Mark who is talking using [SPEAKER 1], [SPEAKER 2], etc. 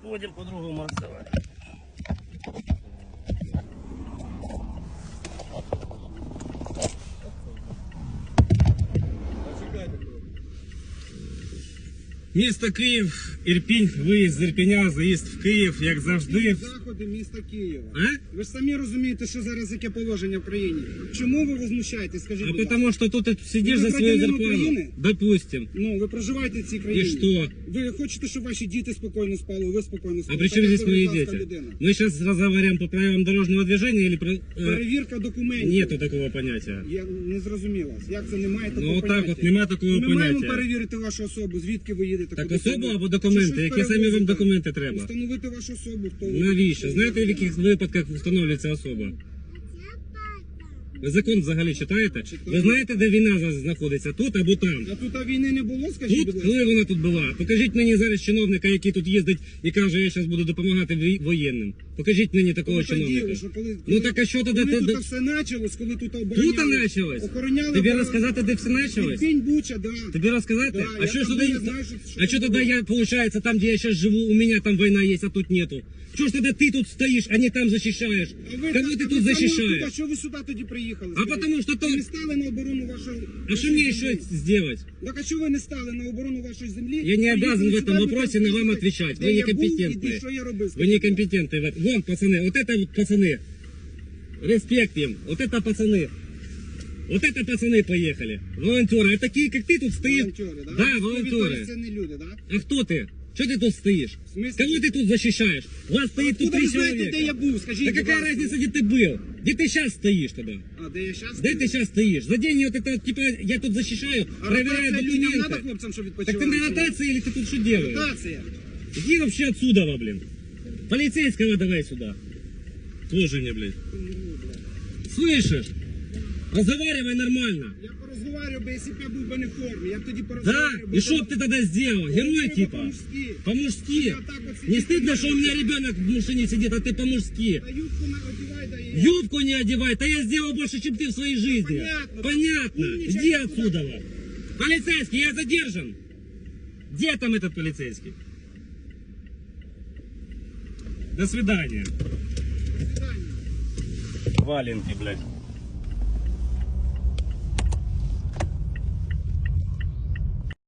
[SPEAKER 1] Будем по-другому расставать. Місто Київ, Ірпінь, виїзд з Ірпіня, заїзд в Київ, як завжди.
[SPEAKER 2] Заходи міста Києва.
[SPEAKER 1] А?
[SPEAKER 2] Ви ж самі розумієте, що зараз яке положення в країні. Чому ви возмущаєтесь, скажіть, будь ласка?
[SPEAKER 1] Потому что тут ты сидишь за свою зарплату.
[SPEAKER 2] України?
[SPEAKER 1] Допустим.
[SPEAKER 2] Ну, ви проживаєте в цій країні.
[SPEAKER 1] И что?
[SPEAKER 2] Ви хочете, щоб ваші діти спокійно спали, ви спокійно спали.
[SPEAKER 1] А при чем
[SPEAKER 2] Так,
[SPEAKER 1] здесь мои
[SPEAKER 2] будь ласка,
[SPEAKER 1] дети?
[SPEAKER 2] людина.
[SPEAKER 1] Мы сейчас разговариваем по правилам дорожного движения или про...
[SPEAKER 2] Перевірка документів.
[SPEAKER 1] Нету такого понятия.
[SPEAKER 2] Я не зрозуміла. Як це немає такого
[SPEAKER 1] Ну,
[SPEAKER 2] поняття?
[SPEAKER 1] отак от, нема такого
[SPEAKER 2] Ми маємо
[SPEAKER 1] поняття.
[SPEAKER 2] перевірити вашу особу, звідки ви їдете.
[SPEAKER 1] Так
[SPEAKER 2] куди
[SPEAKER 1] особу
[SPEAKER 2] саме?
[SPEAKER 1] або
[SPEAKER 2] Чи
[SPEAKER 1] документи?
[SPEAKER 2] щось
[SPEAKER 1] Які самі вам
[SPEAKER 2] перевозите?
[SPEAKER 1] документи треба?
[SPEAKER 2] Встановити вашу особу. Хто ви?
[SPEAKER 1] Навіщо? Знаєте, в яких випадках встановлюється особа? Ви закон взагалі читаєте? Ви знаєте, де війна зараз знаходиться? Тут або там?
[SPEAKER 2] А тут війни не було, скажіть,
[SPEAKER 1] Тут?
[SPEAKER 2] будь ласка?
[SPEAKER 1] Коли вона тут була? Покажіть мені зараз чиновника, який тут їздить і каже, я зараз буду допомагати воєнним. Покажіть мені такого
[SPEAKER 2] Коли
[SPEAKER 1] чиновника.
[SPEAKER 2] тоді, що коли-
[SPEAKER 1] Ну так а що тоді?
[SPEAKER 2] Коли
[SPEAKER 1] Ти-
[SPEAKER 2] тут все почалось, коли тут
[SPEAKER 1] Тут
[SPEAKER 2] обороняли.
[SPEAKER 1] почалось?
[SPEAKER 2] Охороняли.
[SPEAKER 1] Тобі
[SPEAKER 2] оборону.
[SPEAKER 1] розказати, де все почалось?
[SPEAKER 2] Ірпінь, Буча, да.
[SPEAKER 1] Тобі розказати?
[SPEAKER 2] Да,
[SPEAKER 1] А
[SPEAKER 2] я
[SPEAKER 1] що ж
[SPEAKER 2] там
[SPEAKER 1] тоді?
[SPEAKER 2] був, я знаю, що
[SPEAKER 1] А що тоді я, получается, там, где я сейчас живу, у меня там война есть, а тут нету? Что ж тогда ты тут стоишь, а не там защищаешь?
[SPEAKER 2] А ви
[SPEAKER 1] Кого
[SPEAKER 2] так-
[SPEAKER 1] ты
[SPEAKER 2] а
[SPEAKER 1] тут
[SPEAKER 2] ви
[SPEAKER 1] защищаешь?
[SPEAKER 2] А що ви сюди тоді приїхали?
[SPEAKER 1] А потому что
[SPEAKER 2] Ви не
[SPEAKER 1] то...
[SPEAKER 2] стали на оборону вашої
[SPEAKER 1] А что мне еще сделать?
[SPEAKER 2] Так а що ви не стали на оборону вашої землі?
[SPEAKER 1] Я не обязан в
[SPEAKER 2] Приїхали
[SPEAKER 1] этом
[SPEAKER 2] сюди,
[SPEAKER 1] вопросе
[SPEAKER 2] ви
[SPEAKER 1] на вам
[SPEAKER 2] кажете,
[SPEAKER 1] отвечать.
[SPEAKER 2] де
[SPEAKER 1] Вы
[SPEAKER 2] я був і
[SPEAKER 1] некомпетентны.
[SPEAKER 2] що я робив?
[SPEAKER 1] Вы некомпетентны в этом. Вон, пацаны, вот это вот пацаны. Респект им. Вот это пацаны. Вот это пацаны поехали. Волонтеры. А такие, как ты тут стоишь.
[SPEAKER 2] Волонтери, да?
[SPEAKER 1] Да,
[SPEAKER 2] Ви
[SPEAKER 1] волонтеры.
[SPEAKER 2] це не люди, да?
[SPEAKER 1] А кто ты? Что ты тут стоишь?
[SPEAKER 2] В смысле?
[SPEAKER 1] Кого ты тут защищаешь? Вас стоит тут
[SPEAKER 2] Откуда
[SPEAKER 1] 3
[SPEAKER 2] ви знаєте,
[SPEAKER 1] человека.
[SPEAKER 2] де я був? Скажіть,
[SPEAKER 1] Да
[SPEAKER 2] будь
[SPEAKER 1] какая
[SPEAKER 2] ласка.
[SPEAKER 1] разница, где ты был? Где ты сейчас стоишь тогда?
[SPEAKER 2] А, де я зараз?
[SPEAKER 1] Где ты сейчас стоишь? За день вот это, типа, я тут защищаю, проверяю
[SPEAKER 2] людям треба
[SPEAKER 1] документы.
[SPEAKER 2] хлопцям, щоб
[SPEAKER 1] Так
[SPEAKER 2] відпочивали?
[SPEAKER 1] ты на ротации или ты тут что делаешь?
[SPEAKER 2] Ротація.
[SPEAKER 1] Иди вообще отсюда, блин. Полицейского давай сюда. Тоже мне, блядь. Слышишь? Разговаривай нормально.
[SPEAKER 2] Я порозговарював би, якщо б я був би не в формі. Я б тоді
[SPEAKER 1] Да?
[SPEAKER 2] порозговарював би.
[SPEAKER 1] И что б ты тогда сделал? Герой
[SPEAKER 2] Треба
[SPEAKER 1] типа?
[SPEAKER 2] по-мужськи.
[SPEAKER 1] По-мужски.
[SPEAKER 2] Я так вот
[SPEAKER 1] Не
[SPEAKER 2] сидеть
[SPEAKER 1] стыдно,
[SPEAKER 2] не
[SPEAKER 1] что у меня ребенок в машине сидит, а ты по-мужски?
[SPEAKER 2] А юбку одівай, да і...
[SPEAKER 1] Юбку не одевай, да я сделал больше, чем ты в своей жизни.
[SPEAKER 2] Понятно.
[SPEAKER 1] Понятно.
[SPEAKER 2] Умничай,
[SPEAKER 1] Иди
[SPEAKER 2] куда?
[SPEAKER 1] отсюда. Полицейский, я задержан. Где там этот полицейский? До свидания.
[SPEAKER 2] До свидання.
[SPEAKER 1] Валенки, блядь.